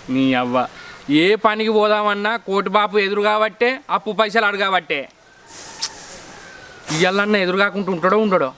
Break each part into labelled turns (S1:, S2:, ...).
S1: నీ అవ్వ ఏ పనికి పోదామన్నా కోటి బాపు ఎదురు కాబట్టే అప్పు పైసలు అడగబట్టే ఇయ్యాలన్నా ఎదురు కాకుండా ఉంటాడో ఉండడో.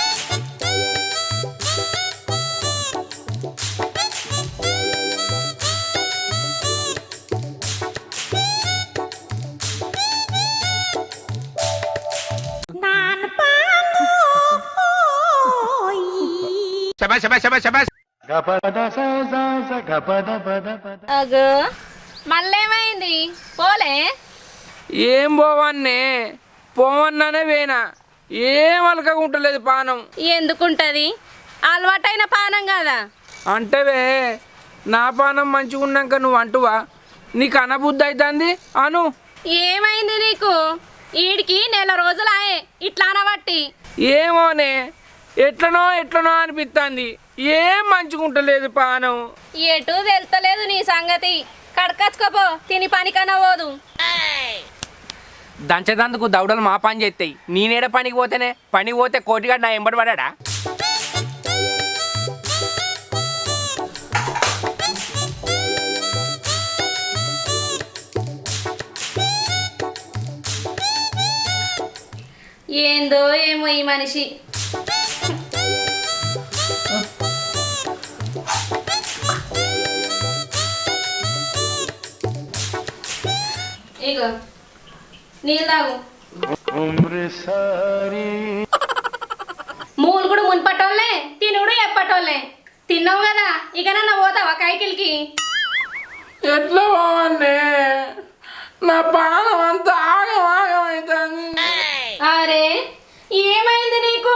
S2: అగో మళ్ళేమైంది పోలే?
S1: ఏం పోవన్నే పోవన్నానే వేనా ఏం అలకకుంటలేదు పానం.
S2: ఎందుకుంటది? అలవాటైన పానం కదా.
S1: అంటేవే నా పానం మంచిగా ఉన్నాక నువ్వు అంటువా? నీకు అనబుద్ధి అవుతుంది అను.
S2: ఏమైంది నీకు? ఈడికి నెల రోజులాయే ఇట్లా అనబట్టి.
S1: ఏమోనే ఎట్లనో ఎట్లనో అనిపిస్తుంది. ఏం మంచుకుంటలేదు పానం.
S2: ఎటు తెలుతలేదు నీ సంగతి. కడకచ్చుకోపో తిని పనికన్నా పోదు.
S1: దంచదందుకు దౌడలు మా పని చేస్తాయి. నేనేడ పనికి పోతేనే పనికి పోతే కోటిగాడు నా ఎంబడి పడా.
S2: ఏందో ఏమో ఈ మనిషి. ఇగో నీళ్ళు తాగు. మూలు కూడా మున్పటోళ్ళే, తినుడు ఎప్పటోళ్ళే. తిన్నావు కదా ఇక నన్ను పోతావా కైకిల్కి?
S1: ఎట్లా పోవన్నే నా పానం అంతా ఆగమవుతుంది.
S2: అరే ఏమైంది నీకు?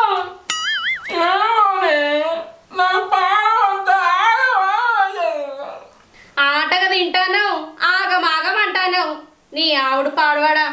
S1: నా పానం అంతా
S2: ఆటగా తింటాను ఆగమాగం అంటాను. నీ ఆవిడ పాడవాడా?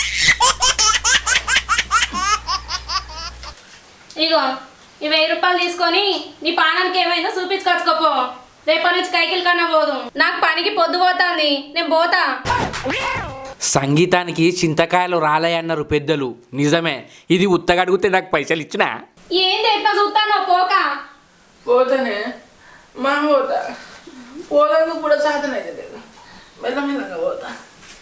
S2: ఇగో ఈ 1000 రూపాయలు తీసుకొని నీ పానానికి ఏమైందో చూపించుకొచ్చుకోపో. రేపటి నుంచి కైకిల్ కన్నా పోదు. నాకు పనికి పొద్దు పోతుంది, నేను పోతా.
S1: సంగీతానికి చింతకాయలు రాలయన్నారు పెద్దలు. నిజమే. ఇది ఉత్తగడిగితే నాకు పైసలు ఇచ్చినా
S2: ఏంది ఎట్లా చూస్తానో పోక.
S1: పోతానే మా పోతా. పోదందుకు కూడా సాధన అయితే లేదు. మెల్లమెల్లగా పోతా.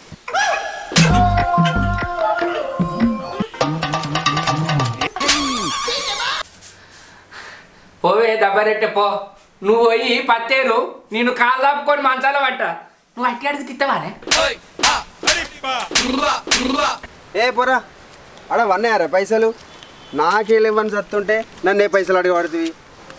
S1: పోవే దబ్బరెట్టే పో. నువ్వు పోయి పత్తేరు నేను కాలు దాపుకొని మంచాల పట్ట. నువ్వు అట్టి అడిగి తిట్టవానే.
S3: ఏ పోరా అడ వన్నాయారా పైసలు? నాకేళ్ళివ్వని చస్తుంటే నన్ను ఏ పైసలు అడిగి పడుతుంది.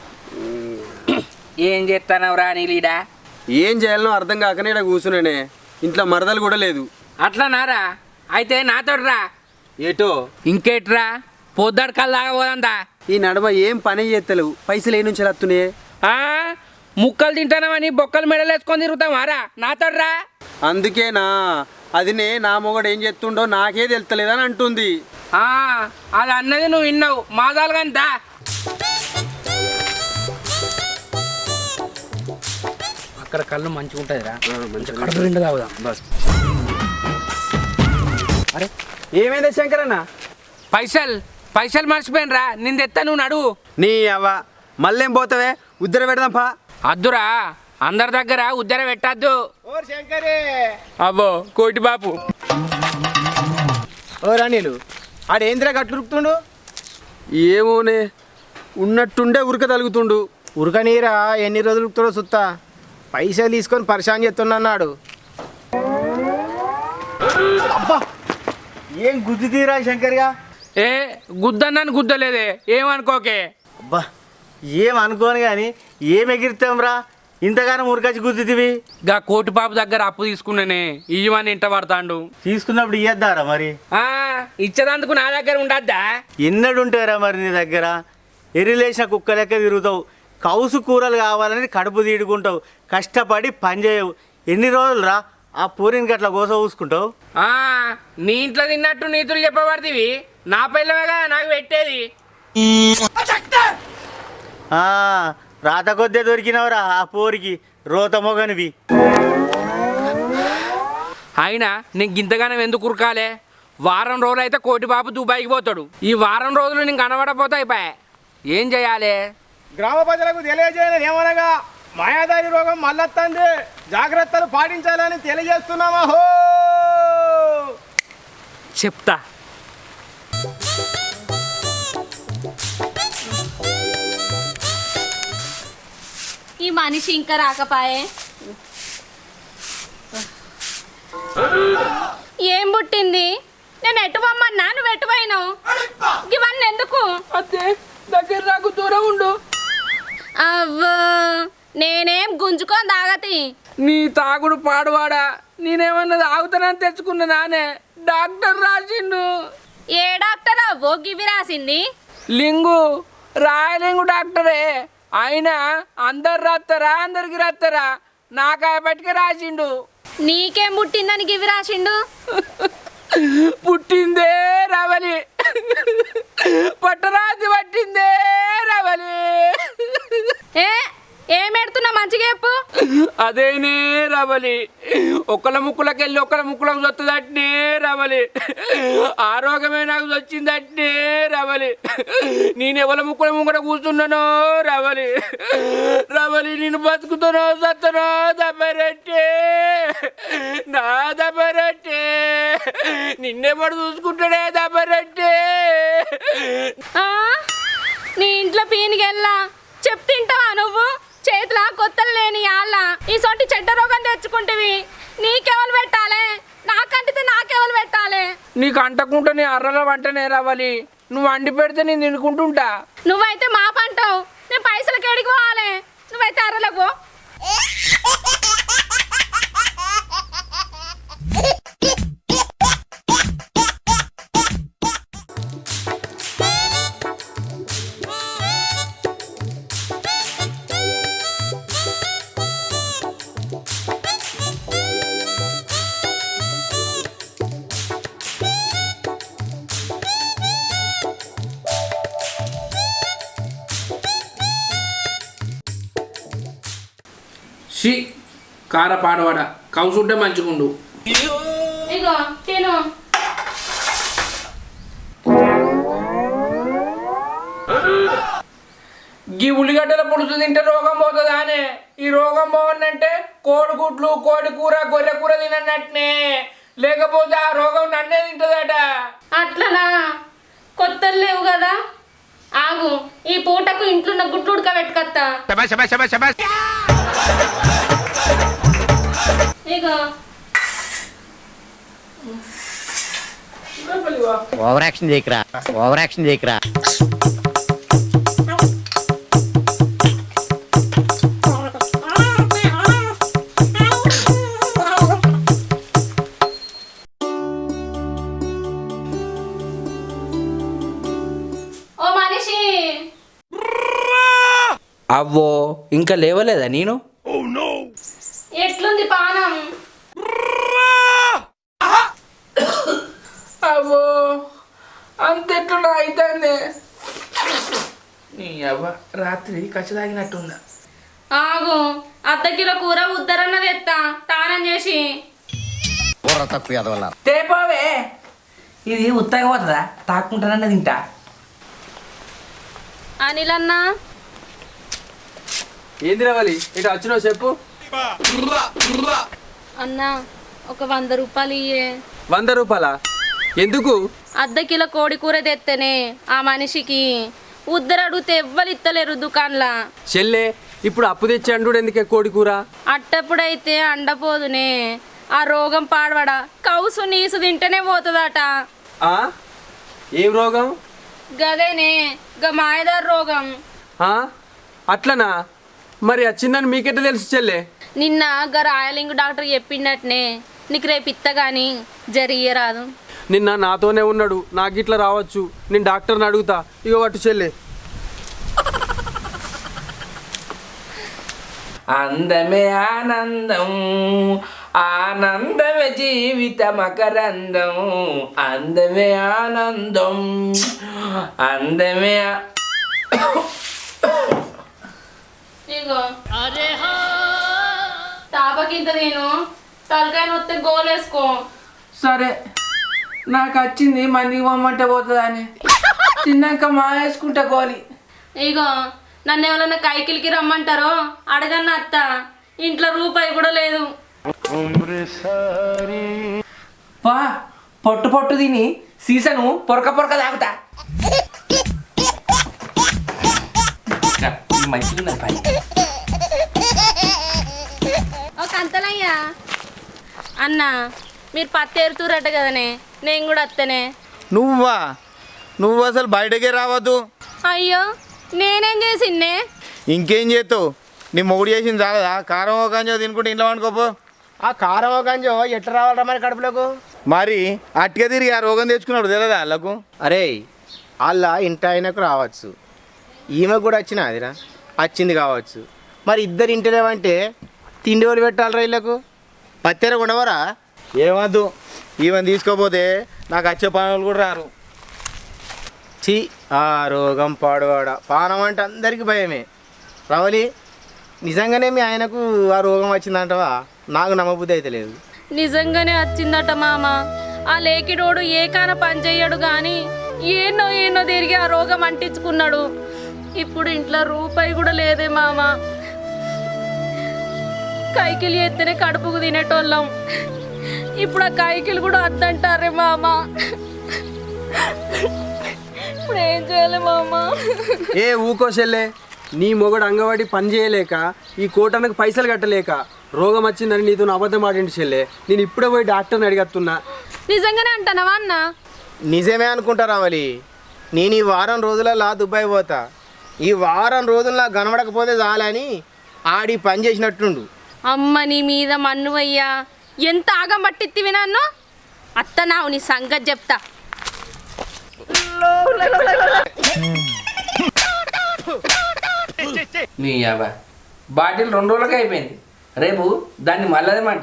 S1: ఏం చేస్తానవరా నీలీడా?
S3: ఏం చేయాలనో అర్థం కాకనే ఇక్కడ కూర్చున్నానే. ఇంట్లో మరదలు కూడా లేదు.
S1: అట్లా నారా? అయితే నాతోటి రా.
S3: ఏటో
S1: ఇంకేట్రా పొద్దాడు కళ్ళు దాకా పోదంతా.
S3: ఈ నడమ ఏం పని చేస్తలేవు. పైసలు ఏ నుంచి వస్తున్నాయి?
S1: ముక్కలు తింటానమని బొక్కలు మెడలు వేసుకొని తిరుగుతామారా? నాతోటి రా.
S3: అందుకేనా అదినే నా మొగడు ఏం చేస్తుండో నాకే తెలుస్తలేదని అంటుంది.
S1: అది అన్నది నువ్వు విన్నావు. మాదాలు కానీ దా. అక్కడ కళ్ళు మంచిగా ఉంటుందిరా. కడుపు నిండా తాగుదాం. బస్.
S3: అరే ఏమైంది శంకరన్న?
S1: పైసలు మర్చిపోయినరా. నేను తెత్తా, నువ్వు నడువు.
S3: నీ అవ్వ మళ్ళేం పోతావే? ఉద్దర పెడదాం పా.
S1: అద్దురా, అందరి దగ్గర ఉద్దర పెట్టద్దు. అబ్బో కోటి బాపు.
S4: ఓ రాణీలు ఆడేంద్రా గట్లురుకుతుండు?
S3: ఏమోనే ఉన్నట్టుండే ఉరక తలుగుతుండు.
S4: ఉరకనీరా ఎన్ని రోజులు ఉరుకుతాడో సుత్తా. పైసలు తీసుకొని పరిశాన్ చేస్తున్నాడు. అబ్బా ఏం గుద్దు తీరా శంకర్గా?
S1: ఏ గుద్దన్నాను గుద్దలేదే, ఏమనుకోకే.
S4: అబ్బా ఏం అనుకోను కానీ ఏం ఎగిరితాం రా ఇంతగానో ఉరకచ్చి గుద్దుతివి.
S1: గా కోటి బాబు దగ్గర అప్పు తీసుకున్నానే, ఇవ్వని ఇంట పడతాండు.
S4: తీసుకున్నప్పుడు ఇయ్యద్దారా మరి?
S1: ఇచ్చేదందుకు నా దగ్గర ఉండద్దా?
S4: ఎన్నడుంటారా మరి నీ దగ్గర? ఎరిలేసిన కుక్క లెక్క తిరుగుతావు. కౌసు కూరలు కావాలని కడుపు తీడుకుంటావు. కష్టపడి పని చేయవు. ఎన్ని రోజులు రా ఆ పూరిని గట్ల కోస చూసుకుంటావు?
S1: నీ ఇంట్లో తిన్నట్టు నీతులు చెప్పబడితివి. నా పిల్లగా నాకు పెట్టేది.
S4: రాత కొద్దే దొరికినవరా ఆ పోరికి రోత మొగనివి.
S1: అయినా నేను గింతగానం ఎందుకు ఉరకాలే? వారం రోజులు అయితే కోటి బాబు దుబాయ్కి పోతాడు. ఈ వారం రోజులు నేను కనబడపోతా అయిపోయా. ఏం చేయాలి?
S4: గ్రామ ప్రజలకు తెలియజేయలేదు ఏమనగా మాయాదారి రోగం మళ్ళొస్తుంది.
S5: జాగ్రత్తలు పాటించాలని తెలియజేస్తున్నామా హో.
S1: చెప్తా.
S2: ఈ మనిషి ఇంకా రాకపాయే. ఏం పుట్టింది? నేను ఎటు పొమ్మన్నా నువ్వు ఎటు పోయినావు? ఇవన్నీ ఎందుకు?
S1: అదే దగ్గర నాకు దూరం ఉండు.
S2: అవ్వో నేనేం గుంజుకొని తాగతి.
S1: నీ తాగుడు పాడువాడా, నేనేమన్నా తాగుతానని తెచ్చుకున్న నానే డాక్టర్ రాసిండు.
S2: ఏ డాక్టర్ అవ్వో గివి రాసింది?
S1: లింగు రాయలింగు డాక్టరే. అయినా అందరు రాస్తారా, అందరికి రాస్తారా? నాకాయ పట్టుకే రాసిండు.
S2: నీకేం పుట్టిందని గివి రాసిండు?
S1: పుట్టిందే రవలి, పట్టరాతి పట్టిందే రవలి.
S2: ఏం ఎడుతున్నా మంచిగా చెప్పు.
S1: అదేనే రవలి, ఒకళ్ళ ముక్కులకెళ్ళి ఒకళ్ళ ముక్కులకు వస్తుందట్నే రవలి. ఆరోగ్యమే నాకు వచ్చిందట్నే రవలి. నేను ఎవరి ముక్కుల ముంగట కూర్చున్నానో రవలి. రవలి నేను బతుకుతానో సత్తనో దబ్బరట్టే, నా దబ్బరట్టే. నిన్నెప్పుడు చూసుకుంటాడే దబ్బరట్టే.
S2: నీ ఇంట్లో పీనికెళ్ళా చెప్తింటావా నువ్వు? చేతిలా కొత్తలు లేని ఆళ్ళ ఈ సొంటి చెడ్డ రోగం తెచ్చుకుంటేవి. నీకెవరు పెట్టాలి? నాకంటితే నాకెవరు పెట్టాలి?
S1: నీకు అంటకుంటా నీ అర్రల వంటనే రావాలి. నువ్వు వండి పెడితే నేను తినుకుంటుంటా.
S2: నువ్వైతే మా పంటావు, నేను పైసలకి ఎడికి పోవాలి. నువ్వైతే అర్రలకు పో.
S1: షీ కార పాడవాడ కౌసుంటే మంచిగుండు.
S2: ఇగో తిను.
S1: గీ ఉల్లిగడ్డల పులుసు తింటే రోగం పోతుందా అనే? ఈ రోగం పోవనంటే కోడిగుడ్లు, కోడి కూర, గొర్రె కూర తినన్నట్నే. లేకపోతే ఆ రోగం నన్నే తింటుందట.
S2: అట్లనా? కొత్తలు లేవు కదా, ఆగు. ఈ పూటకు ఇంట్లో ఉన్న గుడ్లు ఉడకబెట్టుకత్తా. ఇగో
S6: ఓవర్ యాక్షన్ చేయకరా, ఓవర్ యాక్షన్ చేయకరా.
S2: ఓ మనిషి,
S1: అవ్వో ఇంకా లేవలేదా నేను?
S2: ఎట్లుంది పానం?
S1: అవ్వో అంతెట్లా అవుతుంది. నీ అవ్వ రాత్రి కచ్చి తాగినట్టుందా?
S2: ఆగు, అర్ధ కిలో కూర ఉద్దరన్నది ఎత్తా తానం చేసి.
S6: కూర తక్కువ ఎదవల్ల
S1: తేపోవే, ఇది ఉత్తగా పోతుందా? తాక్కుంటానన్న తింటా.
S2: అనిల్ అన్న,
S3: ఏంది రావాలి ఇటు వచ్చినావు చెప్పు.
S2: అన్న ఒక 100 రూపాయలు ఇయ్యే.
S3: 100 రూపాయలా? ఎందుకు?
S2: అర్ధ కిలో కోడి కూర తెత్తేనే ఆ మనిషికి ఉద్దరు అడిగితే ఎవ్వరు ఇత్తలేరు దుకాణంలా.
S3: చెల్లే ఇప్పుడు అప్పు తెచ్చి అండు ఎందుకే కోడి కూర?
S2: అట్టప్పుడైతే అండపోదునే. ఆ రోగం పాడవడా కౌసు నీసు తింటేనే పోతుందట.
S3: ఆ? ఏం రోగం?
S2: గదేనే గా మాయదారు రోగం.
S3: ఆ? అట్లనా? మరి వచ్చిందని మీకెట్ట తెలుసు చెల్లే?
S2: నిన్న గా రాయలింగు డాక్టర్ చెప్పిండట్నే. నీకు రేపు ఇత్త గాని జరియ్యరాదు.
S3: నిన్న నాతోనే ఉన్నాడు, నాకు ఇట్లా రావచ్చు. నేను డాక్టర్ని అడుగుతా. ఇగో పట్టు చెల్లే.
S1: అందమే ఆనందం, ఆనందమే జీవిత మకరందం. అందమే ఆనందం, అందమే
S2: ఇగో తాపకింత నేను తలకాయ నొత్తే గోలేసుకో.
S1: సరే, నాకు వచ్చింది మందికి పొమ్మంటే పోతుందా అని తిన్నాక మా వేసుకుంటా గోలి.
S2: ఇగో నన్ను ఎవరన్నా కైకిలికి రమ్మంటారో అడగన్న అత్త. ఇంట్లో రూపాయి కూడా లేదు.
S1: పా పొట్టు పొట్టు తిని సీసను పొరక పొరక తాగుతా. మంచిగా పని.
S2: ఒక అంతలయ్యా అన్న మీరు పత్తి ఏరుతురట కదనే, నేను కూడా వస్తేనే.
S5: నువ్వు అసలు బయటకే రావద్దు.
S2: అయ్యో నేనేం చేసిందే?
S5: ఇంకేం చేస్తావు? నీ మొగుడు చేసింది చాలదా? కారం ఒక గంజో తినుకుంటే ఇంట్లో వండుకోపో. ఆ కారం ఒక గంజో ఎట్లా రావాలరా మరి కడుపులోకు? మరి అట్టుగా తిరిగి ఆ రోగం తెచ్చుకున్నాడు తెలియదా వాళ్ళకు? అరే వాళ్ళ ఇంటి ఆయనకు రావచ్చు, ఈమె కూడా వచ్చిన అదిరా వచ్చింది కావచ్చు. మరి ఇద్దరు ఇంటిలేమంటే తిండి వాళ్ళు పెట్టాలరా వీళ్ళకు? పత్తెర ఉండవరా? ఏమద్దు, ఈమెను తీసుకోపోతే నాకు వచ్చే పనులు కూడా రారు. చి ఆ రోగం పాడువాడ పానం అంటే అందరికీ భయమే. రవలి నిజంగానే మీ ఆయనకు ఆ రోగం వచ్చిందంటవా? నాకు నమ్మబుద్ధి అయితే లేదు.
S2: నిజంగానే వచ్చిందట మామ. ఆ లేకిడోడు ఏ కాన పని చెయ్యడు కానీ ఏనో తిరిగి ఆ రోగం అంటించుకున్నాడు. ఇప్పుడు ఇంట్లో రూపాయి కూడా లేదే మామ. కైకిలు ఎత్తేనే కడుపుకు తినేటోళ్ళం, ఇప్పుడు ఆ కైకిలు కూడా వద్దంటారే మామ. ఇప్పుడు ఏం చేయాలి మామ?
S3: ఏ ఊకో చెల్లే, నీ మొగడు అంగవాడి పని చేయలేక ఈ కోటానికి పైసలు కట్టలేక రోగం వచ్చిందని నీతో అబద్ధం ఆడింటి చెల్లే. నేను ఇప్పుడే పోయి డాక్టర్ని అడిగస్తున్నా.
S2: నిజంగానే అంటానవా అన్న?
S5: నిజమే అనుకుంటా రావాలి. నేను ఈ వారం రోజులలో దుబాయ్ పోతా. ఈ వారం రోజుల్లో కనబడకపోతే చాలని ఆడి పని చేసినట్టుండు.
S2: అమ్మ నీ మీద మన్నువయ్యా, ఎంత ఆగం పట్టిత్తివి నన్ను. అత్తనావు నీ సంగతి చెప్తా.
S1: నీ అబ్బా బాటిల్ 2 రోజులకి అయిపోయింది, రేపు దాన్ని మళ్ళదేమంట.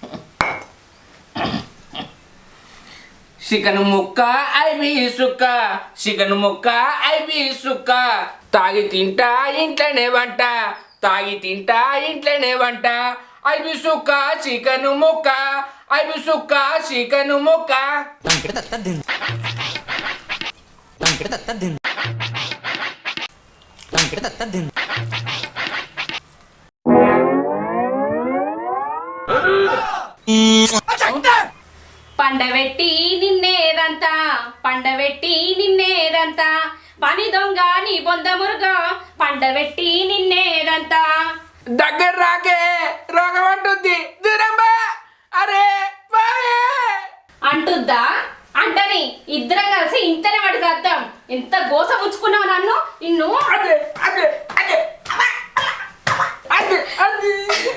S1: చికెన్ ముక్క ఐబీ సుక్క, చికెన్ ముక్క ఐబీ సుక్క, తాగి తింటా ఇంట్లోనే వంట, తాగి తింటా ఇంట్లోనే వంట, ఐబీ సుక్క చికెన్ ముక్క, ఐబీ సుక్క చికెన్ ముక్క.
S2: పండబెట్టి నిన్నేదంతా, పండబెట్టి నిన్నేదంతా, పని దొంగ నీ బొంద మురుగా, పండబెట్టి నిన్నేదంతా.
S1: దగ్గర రాకే, రోగం అంటుంది, దూరం బా. అరే బాయే
S2: అంటుద్దా? అంటని ఇద్దరం కలిసి ఇంతనే వాడి చేద్దాం. ఎంత గోస పుచ్చుకున్నావు నన్ను. నిన్ను
S1: అదే అదే అదే అదే అదే.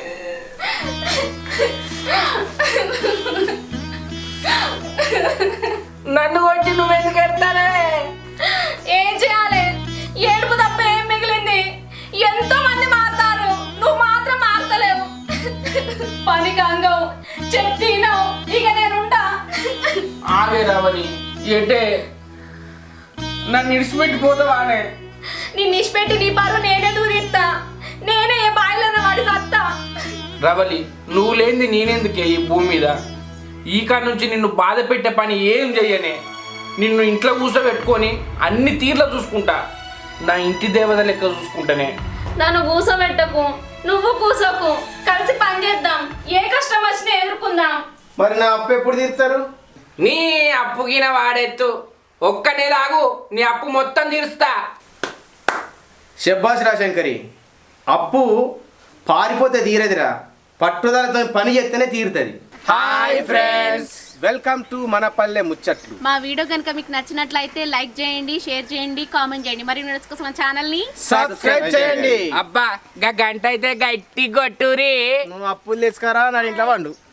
S1: నన్ను కొట్టి నువ్వెందుకు ఎడతానే?
S2: ఏం చేయాలి? ఏడుపు తప్ప ఏం మిగిలింది? ఎంతో మంది మారుతారు, నువ్వు మాత్రం మారతలేవు. పని కంగవు చెప్తీనావు, ఇక నేనుంటా.
S1: ఆగే రావని ఏంటే నన్ను ఇడిచిపెట్టిపోతావానే?
S2: నిన్ను ఇచ్చిపెట్టి నీ పరువు నేనే దూరిస్తా. నేనే ఏ బాయిలను వాడి సత్తా.
S1: రవలి నువ్వు లేనిది నేనెందుకే ఈ భూమి మీద? ఈ కాడ నుంచి నిన్ను బాధ పెట్టే పని ఏం చెయ్యనే. నిన్ను ఇంట్లో కూర్చోబెట్టుకొని అన్ని తీర్ల చూసుకుంటా, నా ఇంటి దేవత లెక్క చూసుకుంటానే.
S2: నన్ను కూసోబెట్టకు, నువ్వు కూసోకు, కలిసి పని చేద్దాం. ఏ కష్టం వచ్చినా ఎదుర్కొందాం.
S5: మరి నా అప్పు ఎప్పుడు తీరుతారు?
S1: నీ అప్పుగిన వాడెత్తు, ఒక్క నెల ఆగు, నీ అప్పు మొత్తం తీరుస్తా.
S5: శబ్బాస్ రా శంకరి, అప్పు పారిపోతే తీరదిరా, పట్టుదలతో పని చేస్తేనే తీరుతుంది.
S1: హాయ్ ఫ్రెండ్స్,
S5: వెల్కమ్ టు మన పల్లె ముచ్చట్లు.
S2: మా వీడియో కనుక మీకు నచ్చినట్లయితే లైక్ చేయండి, షేర్ చేయండి, కామెంట్ చేయండి. మరి వీడియోస్ కోసం మన ఛానల్ని
S5: సబ్స్క్రైబ్ చేయండి.
S1: అబ్బా గా గంట అయితే గట్టి కొట్టురి.
S5: నువ్వు అప్పులు తెచ్చుకారా నా ఇంట్లో వండు.